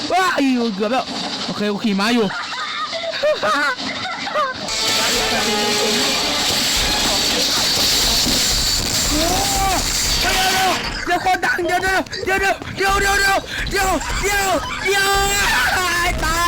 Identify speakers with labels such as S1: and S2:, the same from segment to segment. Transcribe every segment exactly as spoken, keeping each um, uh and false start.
S1: ว้าอยู่เกือบแล้วโอเคกูขี่ม้าอยู่เดี๋ยวคนดังเดี๋ยวเดี๋ยวเดี๋ยวเดี๋ยวเดี๋ยวเดี๋ยวเดี๋ยวเดี๋ยวเดี๋ยวตายตาย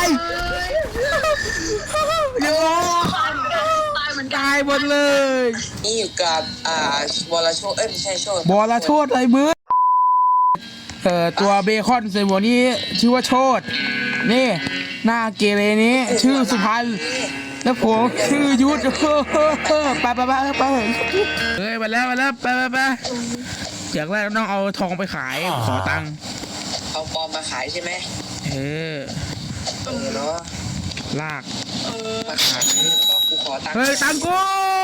S1: เดี๋ยว
S2: ตายเหมือนกัน
S1: ตายหมดเลย
S3: นี่อยู่กับอ่าบอลโชดเอ้ยไม่ใช่โชด
S1: บอลโชดอะไรมือเอ่อตัวเบคอนเซมโมนี้ชื่อว่าโชดนี่หน้าเกเรนี้ชื่อสุพรรณแล้วผมชื่อยุทธไปไปไปไปเฮ้ยมาแล้วมาแล้วไปไปไปอย่างแรกต้องเอาทองไปขายขอตังค์
S3: เอาปลอมมาขายใช่ไหม
S1: เออ
S3: เออเนาะ
S1: ลาก
S3: มาขายแล้วก็กูขอตังค์
S1: เฮ้ยตังกู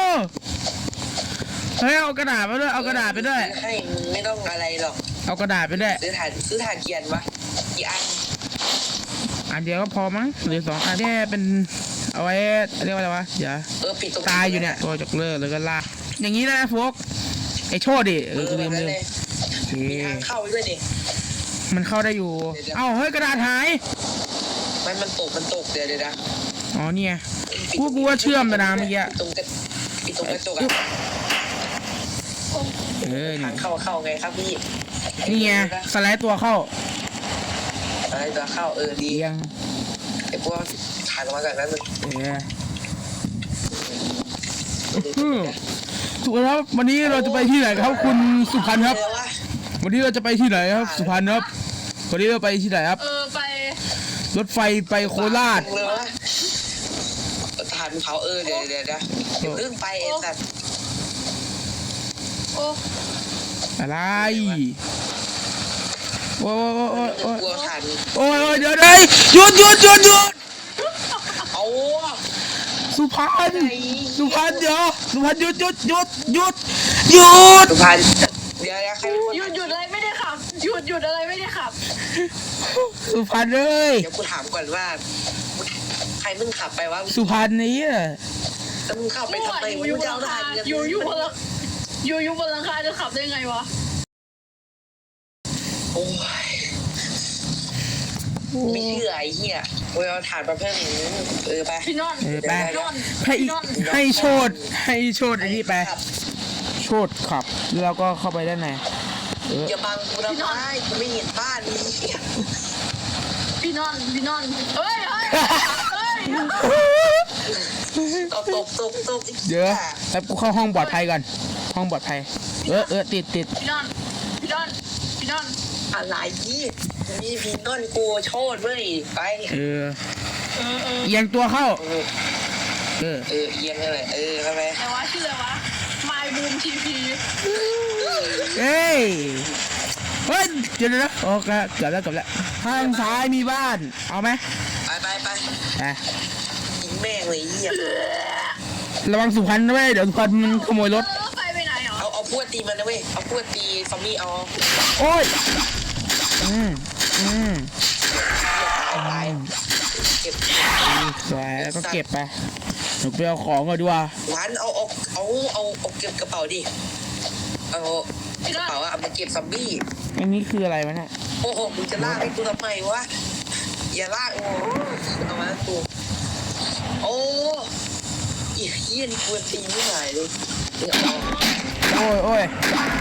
S1: เฮ้ยเอากระดาษไปด้วยเอากระดาษไปด้วย
S3: ให้มึงไม่ต้องอะไรหรอก
S1: เอากระดาษไปด้วย
S3: ซื้อถ่านซื้อถ่านเกียนวะกี่อัน
S1: อันเดียวก็พอมั้งหรือสองอันนี้เป็นเอาไว้เรียกว่าอะไรวะเดี๋ยว
S3: เออปิดตรง
S1: ตายอยู่เนี่ยตัวจกเลิกแล้วก็ลากอย่างนี้นะโฟกไอโชดดิเอ
S3: เอ
S1: อ
S3: อ
S1: กู
S3: แบ
S1: ลื
S3: บ
S1: ม
S3: นั้น
S1: ลืม
S3: เลย
S1: โอเค
S3: มีทางเข้าไปด้วยดิ
S1: มันเข้าได้อยู่เอ้าเฮ้ยกระดาษหาย
S3: มันมันตกมันตกเดี๋ยวเดี๋ยวนะ
S1: อ๋อเนี่ยกูกูว่าเชื่อมแต่นะเมื่อกี้
S3: ปิดตรงกระปิดตรงกระจกอะ
S1: เออ
S3: ทา
S1: นี่
S3: งเข้าเข้าไงครับพี่
S1: นี่ไงสไลด์ตัวเข้า
S3: อะไรจะเข้าเออดี
S1: เอียง
S3: ไอ้พวกถ่ายลงมาจากนั้นมึง
S1: เอออืมถูกแล้ววันนี้เราจะไปที่ไหนครับคุณสุพรรณครับ
S3: เออวะ
S1: วันนี้เราจะไปที่ไหนครับสุพรรณครับวันนี้เราไปที่ไหนครับ
S2: เออไป
S1: รถไฟไปโคราช
S3: เลยวะถ่ายเขาเออเดี๋ยวเดี๋ยวเดี๋ยวเดี๋ยวเรื่องไปไอ้สัตว์
S2: โอ้
S1: อะไรโอ้ยโอ้ยโอ้ย
S3: กลัวถ่าน
S1: โอ้ยโอ้ยเดี๋ยวเดี๋ยวหยุดหยุดหยุดหยุด
S3: เอา
S1: สุพรรณสุพรรณเดี๋ยวสุพรรณหยุดหยุดหยุดหยุดหยุด
S3: สุพรรณเดี๋ยวนะใครเป็นคน
S2: หยุดหยุดอะไรไม่ได้ขับหยุดหยุดอะไรไม่ได้ขับ
S1: สุพรรณเลย
S3: เดี๋ยวกูถามก่อนว่าใครมึงขับไปวะ
S1: สุพรรณนี้อะ
S3: แล้วมึงเข้าไปทำไม
S2: อยู่
S3: มึง
S2: บน
S3: จะ
S2: หลั
S3: เอา
S2: ง
S3: ถ่า
S2: คาน อยู่อยู่บนหลังอยู่อยู่บนหลังคาจะขับได้ไงวะ
S3: โอ้ยไม่เชื่อไอ้เหี้ยกูเอาถ่านมาเพิ่มอีกนิดนึงเออไป
S2: พี่นอน
S1: เออไป
S2: พี่นอน
S1: ให้
S2: พี่นอน
S1: ให้โชดให้โชดอันนี้ไปโชดขับแล้วก็เข้าไปด้านในเออ
S3: อย่าบังกูทำไมกูไม่เห็นบ้านนี้
S2: พี่นอนพี่นอนเฮ้ยเฮ้ยเฮ้ย
S3: ตกตกตกตก
S1: เดี๋ยวแป๊บกูเข้าห้องปลอดภัยก่อนห้องปลอดภัยเออเออติดติด
S2: พี่นอนพี่นอนพี่นอน
S3: อะไรยี่นี่พีนอนกูโชดเว้ยไป
S1: เออ
S2: เออเออ
S1: เอียงตัวเข้า
S3: เออ
S1: เออ
S3: เออเอียงอะไรเออเข้าไป
S2: แต่ว่าชื่ออะไรวะ My Boom ที พี
S1: เอ้ยเฮ้ยเดี๋ยวนะโอเคเกือบแล้วเกือบแล้วทางซ้ายมีบ้านเอาไหม
S3: ไปไปไป
S1: ไป
S3: ยิงแม่งเลยเหี้ย
S1: ระวังสุพรรณด้วยเดี๋ยวสุพรรณมันขโมยรถ
S2: แล้วรถไฟไปไหนเหรอ
S3: เอาเอาพวดตีมันนะเว้ยเอาพวดตีซอมบี้เอา
S1: โอ้ยอืมอืม
S3: ตายตายเก็บ
S1: สวยแล้วก็เก็บไปหนูไปเอาของก่อนดีกว่า
S3: หวานเอาเอาเอาเอาเอาเก็บกระเป๋าดิเอา
S2: พี่
S3: ก
S2: น
S3: ระ
S2: อน
S3: เป๋าอะเอามาเก็บซอมบี้
S1: อันนี้คืออะไรวะเนี่ย
S3: โอ้โหมึงจะลากให้กูทำไมวะอย่าลากโอ้เอามากูโอ้ยเฮียนี่กวนตีไม่ไหวเลยเดี๋ยวเอา
S1: โอ้ยโอ้ย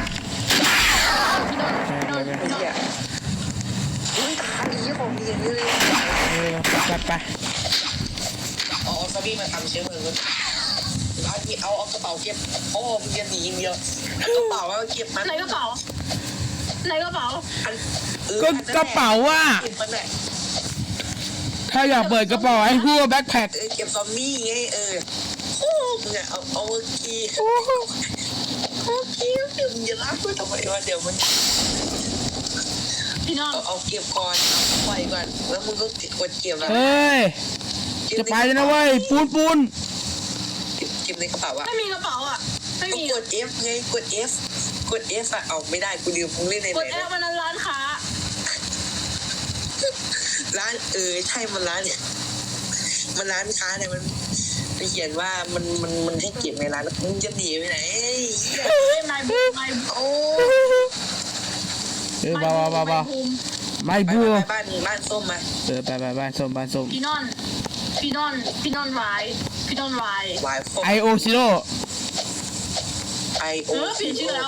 S2: พี่นอน
S1: ไป
S2: พี่นอน
S3: เฮียอุ้ยตายเฮียของดีอย่างนี้เลย
S1: เออไปไป
S3: เอาเอาซอมบี้มาทำเชื้อเพลิงกันเอาที่เอาเอากระเป๋าเก็บโอ้มึงจะหนีอย่างเดียวเอากระเป๋าเอาเก็บมัน
S2: ไหนกระเป๋าไหนกระเป๋า
S3: อันเออ
S1: ก็กระเป๋าอ่ะ
S3: เก็บมันแหละ
S1: ถ้าอยากเปิดกระเป๋าให้พูดแบ็คแพ็ค
S3: เออเก็บซอมบี้ไงเออโอ้มึงอะเอาเอาเมื่อกี้โอเคมึงจะลากกูทำไมวะเดี๋ยวมัน
S2: พี่นอน
S3: เอาเอาเก็บก่อนเอาปล่อยก่อนแล้วมึงก็กดเก็บแล้ว
S1: เฮ้ยจะไปเลยนะเว้ยปูนปูน
S3: เก็บเก็บในกระเป๋าอะ
S2: ไม่มีกระเป๋าอ่ะไม่
S3: ก็
S2: มี
S3: กด F ไงกด F กด F อะเอาไม่ได้กูลืมมึงเล่นใน
S2: ก
S3: ไห
S2: ด
S3: น
S2: แอปมันนั้นร้านค้า
S3: ร้านเออใช่มันร้านเนี่ยมันร้านค้าเนี่ยมันไปเขียนว่ามันมันมันให้เก็บในร้านมึงจะหนีไปไหนเฮ้ย
S2: ไม่ไม่บูมไม่
S3: โอ้
S1: เออเบาเบาเบาเบา
S2: บูม
S1: ไม่
S3: ไป
S1: บัว
S3: ไปบ้านบ้านส้มมา
S1: เออไปไปบ้านส้มบ้านส้ม
S2: พี่นอนพี่นอนพี่นอนวายพี่นอนวาย
S3: วายส้ม
S1: ไอโอซิโร่
S3: ไอโอ
S2: เออเปลี่ยนชื่อแล้ว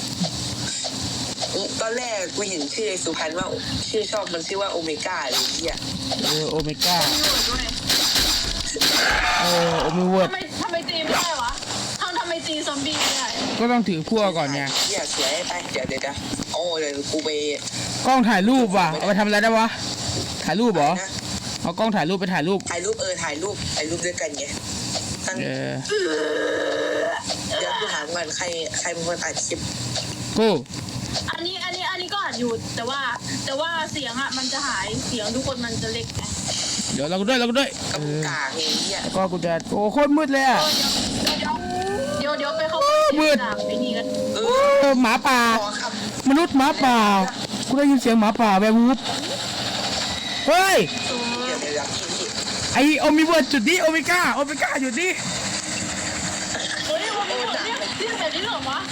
S3: ตอนแรกกูเห็นชื่อไอ้สุพรรณว่าชื่อช่องมันชื่อว่าโอเมก้าอะไรอย่างเงี้ย
S1: เออโอเมก้า
S2: มีเวิร์ดด้วย
S1: เออโอเมเวิร์ด
S2: ทำไมทำไมตีไม่ได้วะทำทำไมตีซอมบี้ไม่ได้
S1: ก็ต้องถือพั่วก่อนไง
S3: เหี้ยเสียไปเดี๋ยวเดี๋ยวเดี๋ยวโอ้เดี๋ยวกูไป
S1: กล้องถ่ายรูปว่ะเอาไปทำอะไรได้วะถ่ายรูปเหรอ
S3: นะ
S1: เอากล้องถ่ายรูปไปถ่ายรูป
S3: ถ่ายรูปเออถ่ายรูปถ่ายรูปด้วยกันไงตั้ง
S1: เออ
S3: เดี๋ยวกูถามก่อนใครใครเป็นคนอัดคลิป
S1: กู
S2: อันนี้อันนี้อันนี้ก็อัดอยู่แต่ว่าแต่ว่าเสียงอ่ะมันจะหายเสียงทุกคนมันจะเล็กไง
S1: เดี๋ยวเราก็ด้วยเราก็ด้วย
S3: ก็
S1: เอ
S3: มึง
S1: อก
S3: ากไงเหี้ย
S1: แล้วก็กูจะโอ้โคตรมืดเลยอ่ะ
S2: เดี๋ยวเดี๋ยวเดี๋ยวเดี๋ยวไปเข้าไป
S1: มืด
S2: จากไอ้นี่กัน
S3: เอ
S1: เอ
S3: อ
S1: อหมาป่า
S3: ขอครับ
S1: มนุษย์หมาป่ากูได้ยินเสียงหมาป่าแวร์วูฟเฮ้ย
S3: เดี๋ยวเดี๋ยวเดี๋ยวพี่พี่
S1: ไอโอมิเวิร์ดจุดนี้โอเมก้าโอเมก้าจุดนี้
S2: เฮ้ยมันเป็นแบบนี้ที่แบบนี้เหรอวะ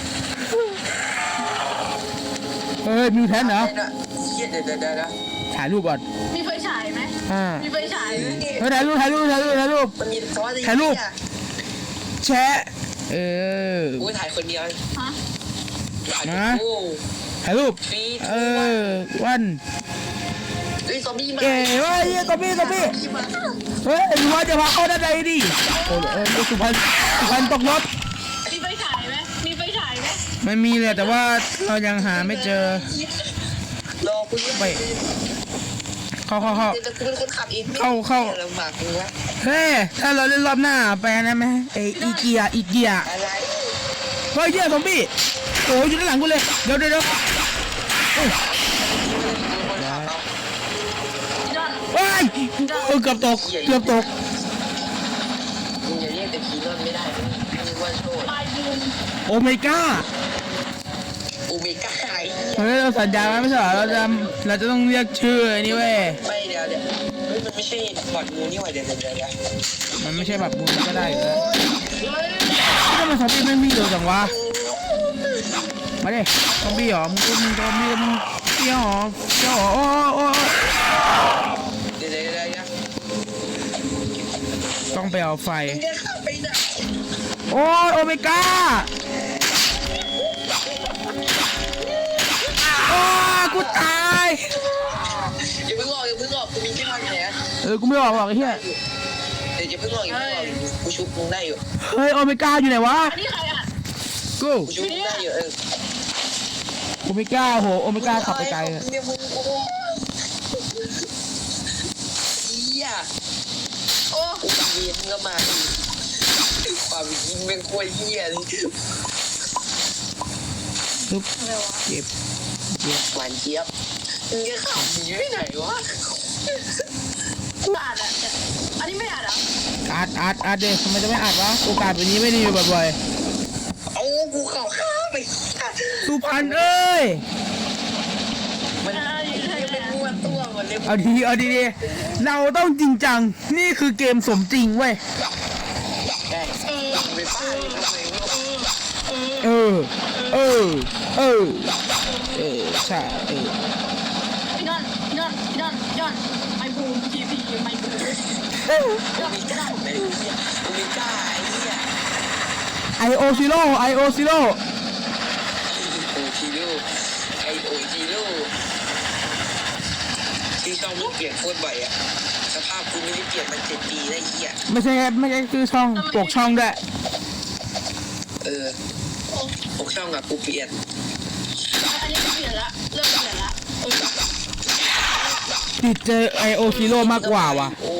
S1: เฮ้ยมิวแทนเหรอ
S3: เหี้ยเดี๋ยวเดี๋ยวเดี๋ยวเดี๋ยว
S1: ถ่ายรูปก่อน
S2: มีไฟฉายไหม
S1: อ่า
S2: มีไฟฉายไหม
S1: เฮ้ยถ่ายรูปถ่ายรูปถ่ายรูปถ่ายรูป
S3: มันมีซอสอะไร
S1: ถ่ายรูป
S3: เหี้
S1: แชะเออ
S3: กูถ่ายคนเดียว
S2: ฮะ
S3: ถ่าย
S1: นะ
S3: โอ้
S1: ถ่ายรูป
S3: ฟี
S1: เออวัน
S3: เฮ้ยซอมบี้มา
S1: เอ๋เฮ้ยเฮ้ยซอมบี้ซอมบี้
S3: มา
S1: เฮ้ยรู้ว่าจะพาเข้าด้านในดิโอ้ยเออสุพรรณสุพรรณตกรถ
S2: มีไฟฉายไหมมีไฟฉายไหม
S1: ไม่มีเลยแต่ว่าเรายังหาไม่เจอ
S3: รอกูด้วย
S1: ไป เข้าเข้าเข้า
S3: เดี๋ยวกูเป็นคนขับเอง
S1: เข้าเข้า
S3: ลำบากกูวะ
S1: เฮ้ยถ้าเราเล่นรอบหน้าไปนะไหมไออีเกียอีเกีย
S3: อะไร
S1: เฮ้ยเหี้ยซอมบี้โอ้ยอยู่ด้านหลังกูเลยเดี๋ยวเดี๋ยวเดี๋ยวเอ้ย
S3: คนขับเอา
S2: พี่นอน
S1: เฮ้ยเออเกือบตกเกือบตก
S3: มึงอย่าเรียกแต่ผีนอนไม่ได้มึงนึกว่าโชด
S2: ปลายบูม
S1: โอเมก้า
S3: โอเมก้าไอ้
S1: เฮ้ยเราสัญญาไว้ไม่ใช่เหรอเราจะเราจะต้องเรียกชื่อไอ้นี่เว้ย
S3: ไม่เดี๋ยวเดี๋ยวเฮ้ยมันไม่ใช่บอดงูนี่หว่าเดี๋ยวเดี๋ยวเดี๋ยวเดี๋ยว
S1: มันไม่ใช่แบบมูลก็ได้อยู่แล้ว
S2: เฮ้ย
S1: ทำไมซอมบี้ไม่วิ่งเร็วจังวะมาดิซอมบี้เหรอมึงมึงซอมบี้มึงเกี้ยวเหรอเกี้ยวเหรอโอ้โอ้โอ้
S3: เดี๋ยวเดี๋ยวเดี๋ยวเดี๋ยว
S1: ต้องไปเอาไฟ
S3: มึงจะเข้าไปไหน
S1: โอ้ยโอเมก้าโอ้ยกูตาย
S3: อย่าเพิ่งออกอย่าเพิ่งออกกูมีที่นอนอยู่ไหน
S1: เออกูไม่ออกหรอกไอ้เหี้ย
S3: เดี๋ยวอย่าเพิ่งออกอย่าเพิ่งออกกูชุบมึงได้อยู่
S1: เฮ้ยโอเมก้าอยู่ไหนวะ
S2: อันนี้ใครอ่ะ
S1: กู
S3: กูชุบมึงได้อยู่เออ
S1: โอเมก้าโหโอเมก้าขับไปไกลเลย
S3: เนี่ยมึงโอ้เหี้ย
S2: โอ้
S3: กูเวียนก็มาอีกความยิงเป็นควยเหี้ยเลย
S1: ปึ๊บ
S2: อะไรวะ
S1: เก็บเก็บ
S3: หวานเจี๊ยบมึงจะขับหนีไปไหนวะ
S2: กูอ่านอ่ะแต่อันนี้ไม่อ่านอ่ะ
S1: อัดอัดอัดเด็กทำไมจะไม่อัดวะโอกาสแบบนี้ไม่ได้มีบ่อย
S3: เอากูเข่าข้าไป
S1: ๆสุพรรณเอ้ย
S3: มันยังเป็นม้วนตัวหมดเลย
S1: เอาดีเอาดีๆเราต้องจริงจังนี่คือเกมสมจริงเว้ย
S3: ได้
S2: เออ
S3: ไปป้าเลยทำไมวะ
S2: เออ
S1: เออ เออ เออ เออ ใช่เออ
S2: พี่นอนพี่นอนพี่นอนพี่นอนไมบูมทีพีไมบูม
S1: เออ
S3: โอเมก้าไหนเนี่ยโอเมก้าไอ้เนี่ย
S1: ไอโอซิโร่ไอโอซิโร่
S3: โอจิโร่ไอโอจิโร่ที่ช่องมึงเปลี่ยนโคตรบ่อยอะสภาพกูไม่ได้เปลี่ยนมาเจ็ดปีแล้วไอ้เหี้ย
S1: ไม่ใช่ไม่ใช่คือช่องปกช่องด้วย
S3: เออพวกช่องอะกูเปลี่ยน
S2: อันนี้เปลี่ยนละเริ่มเปลี่ยนละเออ
S1: ติดเจอไอโอซิโร่มากกว่าว่ะ
S3: โอ้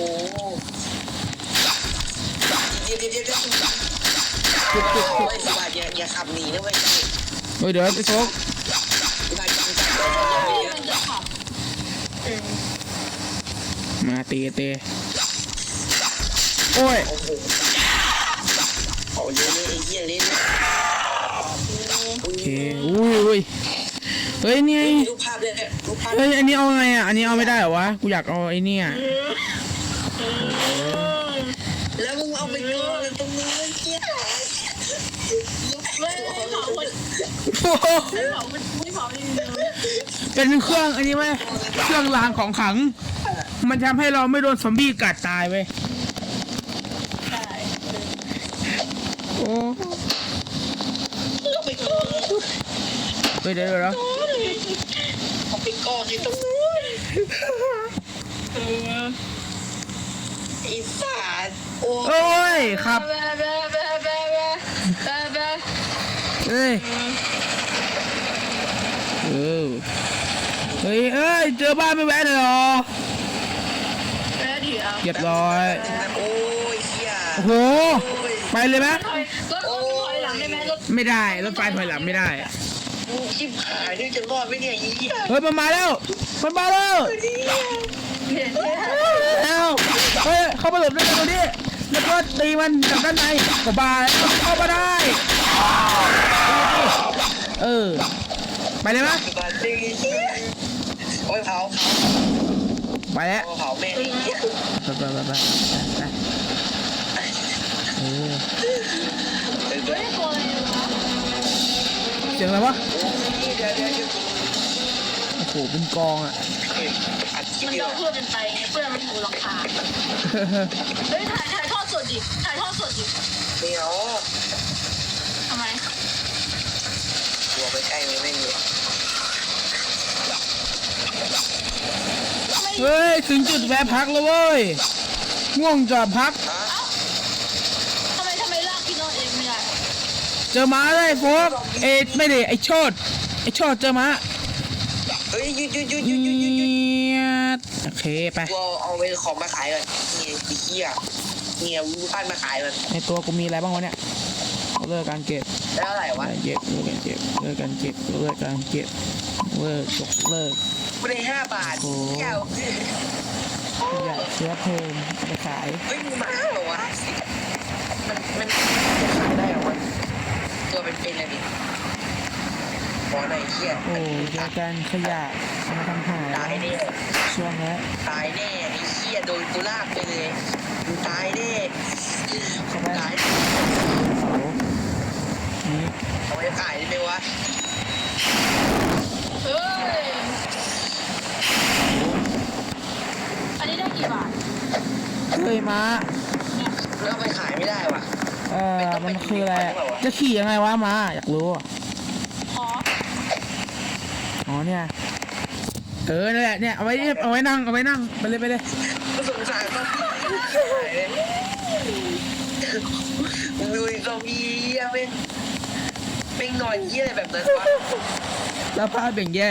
S3: เดี๋ยวเดี๋ยวเดี๋ยวเดี๋ยว
S1: จุดจุดจุด
S3: ไอ้สวัสดิ์อย่าอย่าขับหนีนะเว้ย
S1: เฮ้ยเดี๋ยวไอ้โฟก
S3: กูพาจังจังเลยอย่า
S2: มันจะขับเออ
S1: มาตีเตะโอ้ย
S3: โอ้โหเอาเล่นไอ้เหี้ยเล่น
S1: โอเคอุ้ยอุ้ยเฮ้ยนี่ไง
S3: รูปภาพเลยรูปภาพ
S1: เฮ้ยอันนี้เอาไงอ่ะอันนี้เอาไม่ได้เหรอวะกูอยากเอาไอ้เนี่ย
S3: แล้วมึงเอาไปก่อนตรงนี้เหี้ย
S2: ไม่เผาคน
S1: โอ้โห
S2: ไม่เผาไม่เผาไม่เลย
S1: เป็นเครื่องอันนี้ไหมเครื่องรางของขลัง มันทำให้เราไม่โดนซอมบี้กัดตายเว้ย
S2: ใช่
S1: โอ้
S3: เอาไปก่อน
S1: เฮ้ยเดี๋ยวเดี๋ยวเดี๋ยว
S3: เอาไปก่อนอยู่ตรงนู้น
S2: เออ
S3: ไอ้สัตว์โอ้
S1: โอ้ยครับ
S2: แบ๊ะแบ๊ะแบ๊ะแบ๊ะแบ๊ะแบ๊ะแบ๊ะ
S1: เฮ้ยเออเฮ้ยเอ้ยเจอบ้านไม่แวะเลยเหรอ
S2: แบ๊ะดิอ่ะ
S1: เรียบร้อย
S3: โอ้ยเฮีย
S1: โอ้โหไปเลยไหม
S2: ถอยรถรถถอยหลังได้ไหมรถ
S1: ไม่ได้รถไฟถอยหลังไม่ได้
S3: กูชิบหายนี่จะรอดไหมเนี่ยไอ้เหี้ย
S1: เฮ้ยมันมาแล้วมันมาแล้ว
S2: เห็นไหม
S1: เอาเฮ้ยเข้ามาหลบได้ตรงนี้แล้วก็ตีมันจากด้านในก็บายเข้ามาได้เออไปเลยไหม
S3: บาดเจ็บโอ้ยเผา
S1: ไปแล้ว
S3: เผาเผาแม่งไอ้เหี้ย
S1: ไปไปไปไปไปเออ
S3: เดี๋ยว
S2: เฮ้ยตัวอะไรวะ
S1: เสียงอะไรวะ
S3: เดี๋ยวเดี๋ยวเดี๋ยว
S1: โอ้โหเป็นกองอ่ะ
S3: อัดคลิป
S2: มัน
S3: ดีก
S2: เรา
S3: ว่า
S2: เพื่อนเป็นไปไงเพื่อนมันอยู่หลังคาเฮ้ยถ่ายถ่ายทอดสดดิถ่ายทอดสดดิ
S3: เดี๋ยว
S2: ทำไม
S3: ตัวไปใกล้มันไม่มี
S1: เฮ้ยถึงจุดแวะพักแล้วเว้ยง่วงจอดพัก
S3: ฮะ
S2: ทำไมทำไมลากพี่โน้ตเองไม่ได้
S1: เจอม้าเลยโฟกเอ็ดไม่ได้ไอโชดไอโชดเจอม้า
S3: เฮ้ยหยุดหยุดหยุดห
S1: เ
S3: ยุดหยุดหยุดหยุด
S1: งียบโอเคไป
S3: กูเอาเอาไปของมาขายก่อนนี่ไอ้เหี้ยเนี่ยวูพันมาขายมัน
S1: ในตัวกูมีอะไรบ้างวะเนี่ยเลิกการเก็บ
S3: แล้วเท่าไหร่วะ
S1: การเก็บเลิกการเก็บเลิกการเก็บเลิกการเก็บเลิกจบเลิก
S3: กูได้ห้าบาท
S1: โอ้
S3: เหี้ย
S1: อยากเชื้อเพลิงเอาไปขาย
S3: เฮ้ยมึงมาเหรอวะมันมันจะขายได้เหรอวะตัวเป็นเป็นอะไรดิขอหน่อยเหี้ย
S1: โอ้เจอกันขยะเอามาทำหาย
S3: ตายแน่
S1: ช่วงนี้
S3: ตายแน่ไอ้เหี้ยโดนกูลากไปเลยมึงตายแน่
S1: เข้าไป
S3: ตาย
S1: เสานี้
S3: เอาไปขายได้ไหมวะ
S2: เฮ้ยอันนี้ได้กี่บาท
S1: เฮ้ยม้า
S3: แล้วเอาไปขายไม่ได้วะ
S1: เออมันคืออะไรอะจะขี่ยังไงวะม้าอยากรู้อะ
S2: ขอ
S1: อ๋อเนี่ยเออนั่นแหละเนี่ยเอาไว้เอาไว้นั่งเอาไว้นั่งไปเลยไปเลย
S3: ก็สงสารต้องมึงดูไอ้ซอมบี้เหี้ยแม่งแม่งนอนเหี้ยอะไรแบบนั้นวะ
S1: แล้วพาดเบ่งแย่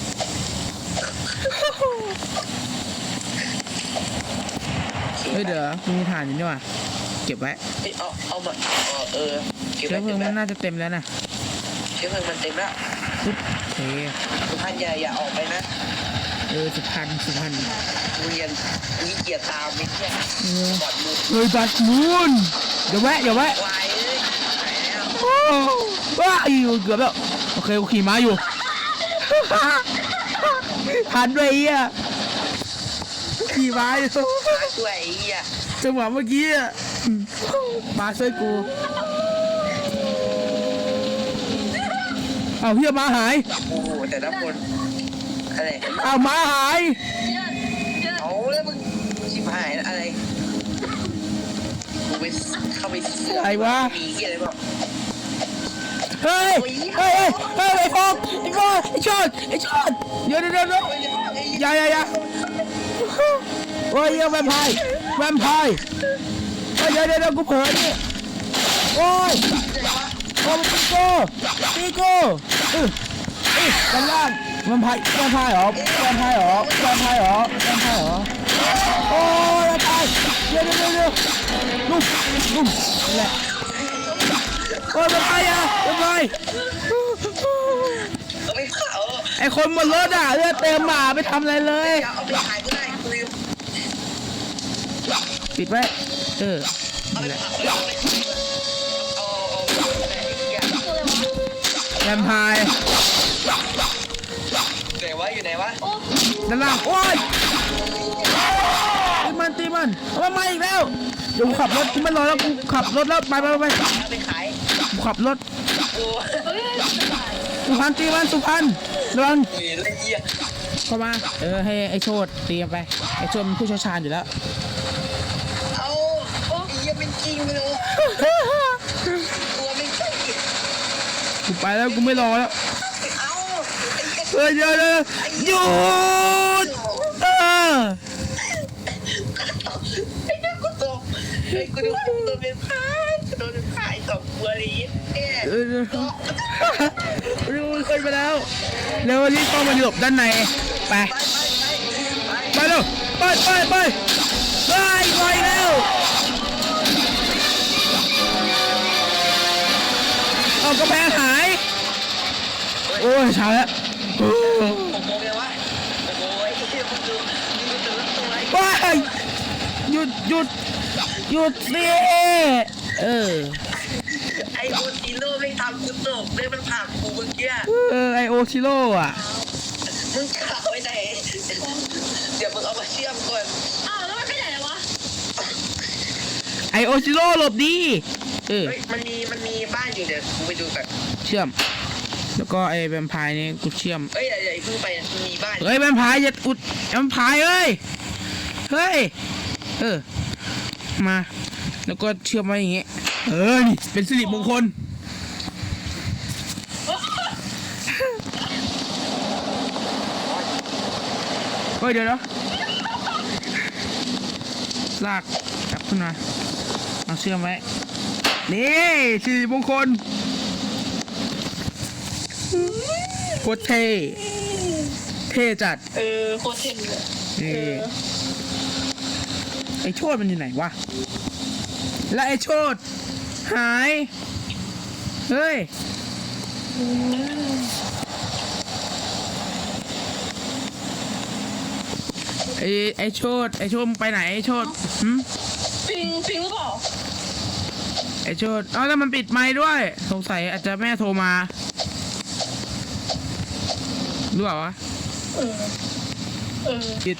S1: เฮ้ยเดี๋ยวมีฐานอยู่นี่ว่ะเก็บไว้
S3: เอ้ยเอาเอามาเอาเออเก็บ
S1: เชื้
S3: ไว้
S1: อเพลิ
S3: เก็
S1: ง
S3: บไว้
S1: มันน่าจะเต็มแล้วนะ
S3: เชื้อเพลิงมันเต็มแล้ว
S1: ปุ๊บโอเค
S3: ทุกท่านอย่าอย่าออกไปนะ
S1: เออสุพรรณสุพรรณ
S3: กูเรียนกูขี้เกียจตามไอ้เหี้ย
S1: เออ
S3: ก่อนมึง
S1: เฮ้ยบัสมูนเดี๋ยวแวะเดี๋ยวแวะ
S3: วายเอ้ยไหนแล้ว
S1: โอ้ว้าอีเกือบแล้วโอเคกูขี่ม้าอยู่ ทันด้วยไอ้เหี้ยขี่ม้าอยู่
S3: มาช่วยไอ้เหี้ย
S1: จังหวะเมื่อกี้อะมาช่วยกูเอาเฮียม้าหาย
S3: โอ้โหแต่ละคนอะไร
S1: เอาม้าหาย
S2: เยอะเยอะ
S3: เอาแล้วมึงชิบหายอะไรกูไปเข้าไปเสือก
S1: อะไรวะ
S3: มีเหี้ยอะไรบ้าง
S1: เฮ้ย เฮ้ย เฮ้ยเฮ้ยไอ้ฟอกไอ้ฟอกไอ้ชอนไอ้ชอนเดี๋ยวเดี๋ยวเดี๋ยวเดี๋ยวอย่าอย่าอย่าโอ้ยเหี้ยแวมไพร์แวมไพร์เฮ้ยเดี๋ยวเดี๋ยวเดี๋ยวกูเผลอนี่โอ้ยโอ้ยปีโก้ปีโก้เออเออด้านล่างแวมไพร์แวมไพร์เหรอแวมไพร์เหรอแวมไพร์เหรอแวมไพร์เหรอโอ้ยแวมไพร์เดี๋ยวเดี๋ยวเดี๋ยวเดี๋ยวนุ่มนุ่มนี่แหละโอ้ยแวมไพร์อ่ะแวมไพร์
S3: เอาไปเผา
S1: ไอคนบนรถอ่ะเลือดเต็มหมาไม่ทำอะไรเลย
S3: เอาไปขายก็ได้กูลืม
S1: ปิดไว้เออ
S3: เอาไป
S1: นี่แหละ
S3: เผาเอาไปขายเอาเอาเอาไอ้เหี้ย
S2: ตัวอะไรวะ
S1: แวมไพร์
S3: ไหนวะอยู่ไหนวะ
S2: โอ้
S1: ด้านล่างโอ้ยตีมันตีมันเอามันมาอีกแล้วเดี๋ยวกูขับรถกูไม่รอแล้วกูขับรถแล้วไปไปไป
S3: เอาไปขาย
S1: กูขับรถ
S3: กู
S2: เฮ้ยสบาย
S1: สุพรรณตีมันสุพรรณระวัง
S3: เฮ้ยละเอียด
S1: เข้ามาเออให้ไอ้โชดตีมันไปไอ้โชดมันผู้เชี่ยวชาญอยู่แล้ว
S3: เอาโอ้ยยังเป็นจริงเลยตัวไม่ใช่
S1: กูไปแล้วกูไม่รอแล้ว
S3: เอาไอ้เหี้ย
S1: เออเดี๋ยวเดี๋ยวหยุดเออ
S3: ไอ้เหี้ยกูตกไอ้กูดูกูตัวเป็นพายกูโดนพายตกบัวลีเนี่ย
S1: เออรู้คนไปแล้วเร็วรีบต้องมาหลบด้านในไป
S3: ไปไปไป
S1: ไปเร็วไปไปไปไปไปแล้วเอากระแพงหายโอ้ยช้าแล้วโอ้
S3: ผมโมเมวะโอ้ยไอ้เหี้ยมึงดูมึงดูแต่ละตัวไอ้
S1: ไปหยุดหยุดหยุดสิเออ
S3: ไอ้โอติโร่ไม่ทำกูตกเลยมันผลักกูเมื่อกี้
S1: เออไอโอชิโร่อะ
S3: มึงขับไว้ไหนเดี๋ยวมึงเอามาเชื่อมก่อน
S2: อ้าวแล้วมันไปไหนวะ
S1: ไอโอชิโร่หลบดีเออ
S3: เฮ้ยมันมีมันมีบ้านอยู่เดี๋ยวกูไปดูกัน
S1: เชื่อม แล้วก็ไอแวมไพร์นี่กูเชื่อม
S3: เฮ้ยอย่าอย่าเพิ่งไปมันมีบ้าน
S1: เฮ้ยแวมไพร์อย่าอุดแวมไพร์เอ้ยเฮ้ยเออมาแล้วก็เชื่อมไว้อย่างเงี้ยเออนี่เป็นสิริมงคลเฮ้ยเดี๋ยวนะลากจับขึ้นมาเอาเชื่อมไว้นี่สิริมงคลโคตรเท่เท่จัด
S2: เออโคตรเท่เลย
S1: นี่ไอโชดมันอยู่ไหนวะ แล้วไอโชดหาย เฮ้ย ไอไอโชดไอโชดมึงไปไหนไอโชดหืม
S2: ปิงปิงหรือเปล่า
S1: ไอโชดเอ้าแล้วมันปิดไมค์ด้วย สงสัยอาจจะแม่โทรมารู้เปล่าวะ
S2: เออเออ
S1: ปิด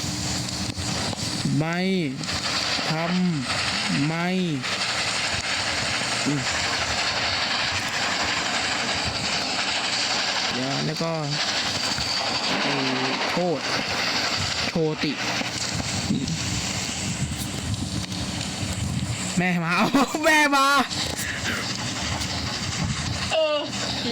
S1: ไม่ทำไม่อืมเดี๋ยวแล้วก็ไอ้โทษโชติแม่มา เอาแม่มา
S2: เออ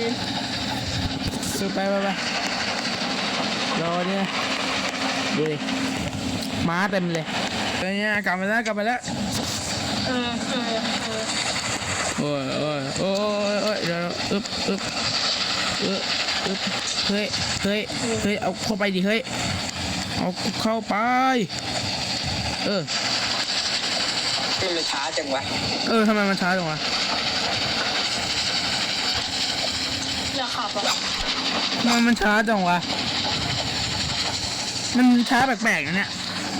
S1: คือไปไปไปรอเนี่ยดูดิม้าเต็มเลยตอนนี้กลับมาแล้วกลับมาแล้ว
S2: เออเออเออ
S1: โอ้ยโอ้ยโอ้ยโอ้ยเดี๋ยวอึบอึบอึบอึบเฮ้ยเฮ้ยเฮ้ยเอาเข้าไปดิเฮ้ยเอาเข้าไปเออ
S3: มันมันช้าจังวะ
S1: เออทำไมมันช้าจังวะ
S2: อยากขับอ่ะ
S1: ทำไมมันช้าจังวะมันช้าแปลกๆนะเนี่ย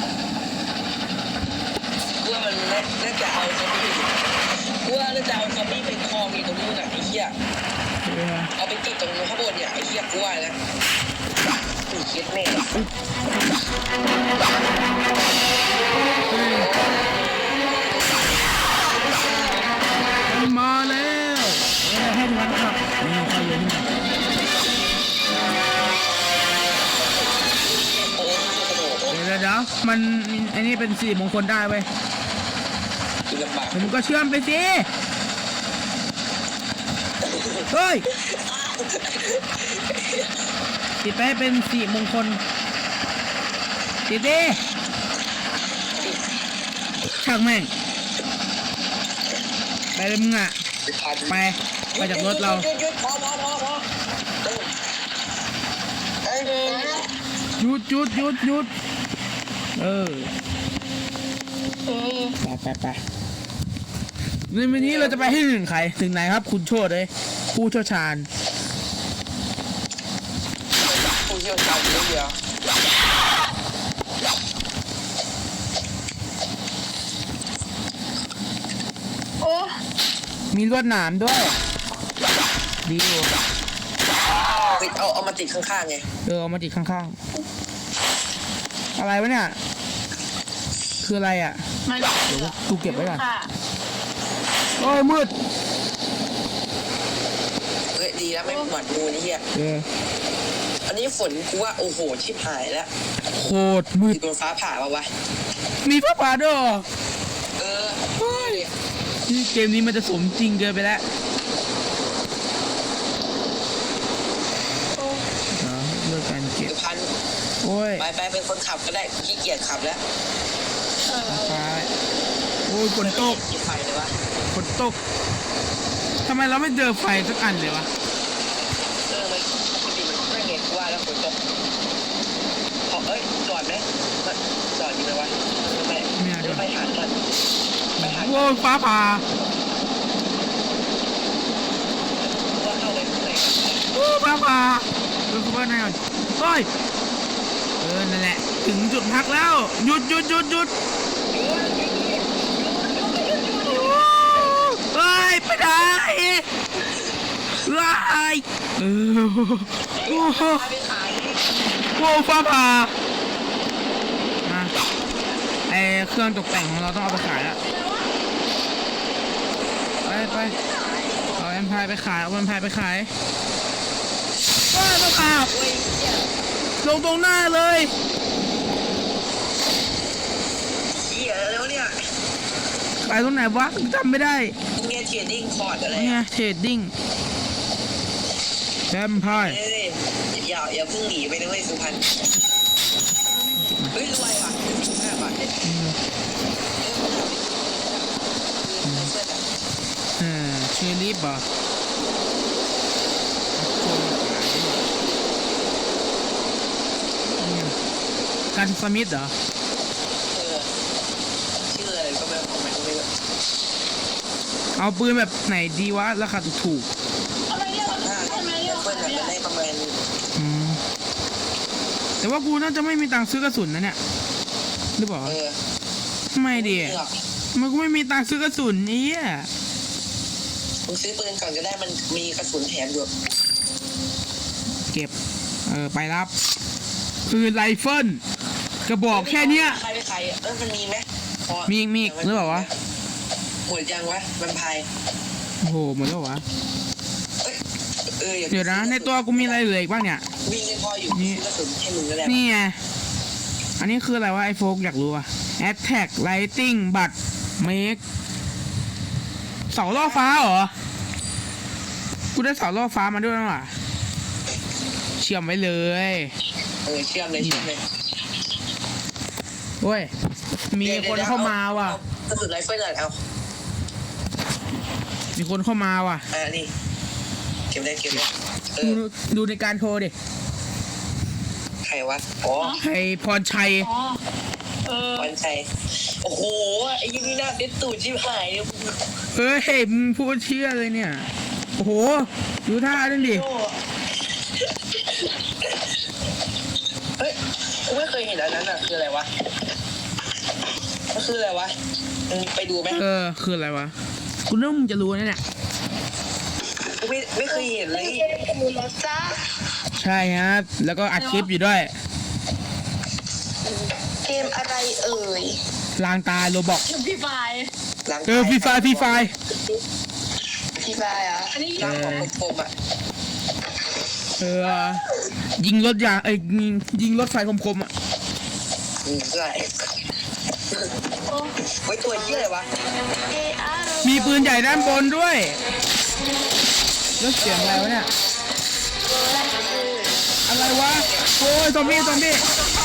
S3: กูว่ามันน่าน่าจะเอาซอมบี้กูว่าน่าจะเอาซอมบี้ไปคลองอีกตรงนู้นอ่ะไอ้เหี้ย
S1: เออ
S3: เอาไปติดตรงข้างบนเนี่ยไอ้เหี้ยกูว่านะกูคิดแม่
S1: มันมาแล้วเออให้มันขับนี่เข้าเยอะนี่
S3: โอ้โห
S1: เดี๋ยวเดี๋ยวมันอันนี้เป็นสิริมงคลได้เว้ย
S3: กูลำบาก
S1: เดี๋ยวมึงก็เชื่อมไปสิเฮ้ยติดไปให้เป็นสิริมงคลติดดิช่างแม่งไปเลยมึงอ่ะไปไปจากรถเรา
S3: หยุดหยุดพอพอพอพอเอ้ย
S1: หยุดหยุดหยุดหยุดเออ
S2: เออ
S1: ไปไปไปในวันนี้เราจะไปให้ถึงใครถึงไหนครับ คุณโชดเลยผู้เชี่ยวชาญ
S3: กูเชี่ยวชาญเยอะเดียว
S2: โอ้
S1: มีลวดหนามด้วยดีอยู่
S3: เฮ้ยเอาเอามาติดข้างๆไง
S1: เออเอามาติดข้างๆอะไรวะเนี่ยคืออะไรอ่ะ
S2: ไม่
S1: เดี๋ยวกูเก็บไว้ก่อน
S2: ค่ะ
S1: โอ้ยมืด
S3: ฮ้ยดีแล้วไม่หวัดงูนี่เฮีย
S1: เออ
S3: อันนี้ฝนกูว่าโอ้โหชิบหายแล้ว
S1: โคตรมืด
S3: โดนฟ้าผ่าปะวะ
S1: มีฟ้าผ่าด้วยเหรอ
S3: เออ
S1: ที่เกมนี้มันจะสมจริงเกินไปแล้วอ๋อเลือกการเก็บ
S3: สุพรรณ
S1: โอ้ย
S3: ไปไปเป็นคนขับก็ได้ขี้เกียจขับแล้ว
S2: เออ
S1: ฟ้าโอ้ยฝนตก
S3: กินไฟเลยวะ
S1: ฝนตกทำไมเราไม่เจอไฟสักอันเลยวะ
S3: เออมันปกติมันไม่เงี้ยกูว่าแล้วฝนตกพอเอ้ยจอดไหมจอดดีไหมวะไม่ไม่ไปหากันไปหา
S1: โอ้ยฟ้าผ่า
S3: ว่าเข้าไปข้างใน
S1: โอ้ยฟ้าผ่าเออเข้าไปในก่อนโอ้ยเออนั่นแหละถึงจุดพักแล้วหยุดหยุดหยุดหยุดเฮ้ยไปไหนเฮ้ยเออโอ้โห
S3: ไปขาย
S1: โอ้ฟ้าผ่ามาไอเครื่องตกแต่งของเราต้องเอาไปขายแล้วไปไปเอาแอมพายไปขายเอาแอมพายไปขายว้าวฟ้าผ่า
S3: โอ้ยเนี่ย
S1: ลงตรงหน้าเลย
S3: เหี้ยแล้วเนี่ย
S1: ขายตรงไหนวะจำไม่ได้
S3: เงี้ยเทียดิ้งคอร์ดอะไร
S1: นี่ไงเทรดดิ้งแอมพาย
S3: เอ้ยอย่าอย่าเพิ่งหนีไปนะเว้ยสุพรรณเฮ้ยรวยว่ะห้าบาทเนี่ยเออ
S1: เออเชอรี่ป่ะการสมิธเหรอ
S3: เออชื่ออะไรก็ไม่รู้มันไม่รู้
S1: เอาปืนแบบไหนดีวะราคาถูก
S2: ทำไมเรียก
S3: ถ้า
S2: ทำไมเรียก
S3: เพื่อนแบบได้ประมาณ
S1: ๆอืมแต่ว่ากูน่าจะไม่มีตังค์ซื้อกระสุนนะเนี่ยหรือเปล่า
S3: เออ
S1: ไม่ดี
S3: เลือก
S1: มันก็ไม่มีตังค์ซื้อกระสุนนี่อ่ะ
S3: มึงซื้อปืนก่อนก็ได้มันมีกระสุนแถมอยู่
S1: เก็บเออไปรับปืนไรเฟิลกระบอกแค่เนี้ย
S3: ใครไปใครเออมันมีไหมพอ
S1: มีอีกมีอีกหรือเปล่าวะ
S3: หมดยังวะมันพาย
S1: โอ้โหหมดแล้ววะ
S3: เอ้ยเอออา
S1: เดี๋ยวนะในตัวกูมีอะไรเหลืออีกบ้างเนี่ย
S3: วิ่งยังพออยู่
S1: นี่
S3: ซื้อกระสุนให้มึงก็ได้
S1: นี่ไงอันนี้คืออะไรวะไอโฟกอยากรู้อะ Attack Lighting บัตร Make เสาล่อฟ้าเหรอ กูได้เสาล่อฟ้ามาด้วยนะว่ะเชื่อมไว้เลย
S3: เออเชื่อมเลยเชื่อมเลย
S1: โอ้ย มีคนเข้ามาว่ะ
S3: กระสุนไรเฟิลเลยเอา
S1: มีคนเข้ามาว่ะ
S3: อ่านี่เก็บได้เก็บได้เอ
S1: ดู
S3: อ
S1: ดูในการโทรดิ
S3: ใครวะอ๋อ
S1: ใครพรชัย
S2: อ๋อเออ
S3: วันชัยโอ้โหไอ้ยี่นี่หน้าเด็ดตูดชิบหายเนี่ย
S1: เฮ้ยมึงพูดเชื่อเลยเนี่ย โอ้โห ดูท่าด้วยดิ
S3: โอ้เฮ้ยกูไม่เคยเห็นอันนั้นอ่ะคืออะไรวะมันคืออะไรวะมึงไปดูไหม
S1: เออ คืออะไรวะ กูนึกว่ามึงจะรู้นะเนี่ย
S3: กูไม่ไม่เคยเห็นเลย
S2: ดูแล้วจ้า
S1: ใช่ครับ แล้วก็อัดคลิปอยู่ด้วย
S2: เกมอะไรเอ่ย
S1: ลางตาโรบอก
S2: เกมพี่ไฟ
S3: หลัง
S1: เออฟรีไฟฟรีไฟ
S2: พี่ไฟอ่ะอันนี้
S3: ร่างของกลมๆอ่ะ
S1: เออ ยิงรถยางเอ้ยยิงยิงรถไฟคมๆอ่ะ
S3: อืมใช่
S2: โอ้
S3: ไว้ตัวเหี้ยอะไรวะ
S2: เออาร์
S1: มีปืนใหญ่ด้านบนด้วยแล้วเสียงอะไรวะเนี่ย อะไรวะ โอ้ยซอมบี้ซอมบี้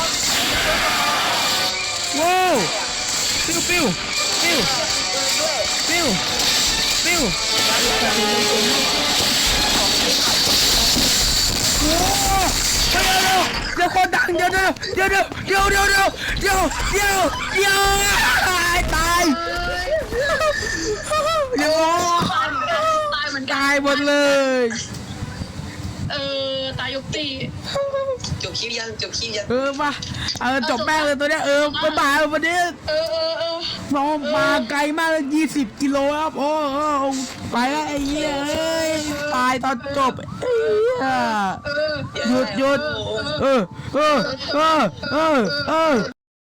S1: ว้าวปิ้วปิ้วปิ้วปิ้วปิ้วโอ้เดี๋ยวเดี๋ยวเดี๋ยวคนดังเดี๋ยวเดี๋ยวเดี๋ยวเดี๋ยวเดี๋ยวเดี๋ยวเดี๋ยวเดี๋ยวเดี๋ยวตายตายเดี๋ยว
S2: ตายเหมือนกันตายเหมือนกัน
S1: ตายหมดเลย
S2: เออตายยกตี
S3: จบคลิปยังจบคลิปยัง
S1: เออมาเออจบแม่งเลยตัวเนี้ยเออมาบ่ายวันนี้
S2: เออเออเออ
S1: น้องมาไกลมากเลยยี่สิบกิโลครับโอ้โอ้ไปแล้วไอ้เหี้ยเอ้ยตายตอนจบไอ้เหี้ย
S2: เออ
S1: หยุดหยุดเออเออเออเออเออ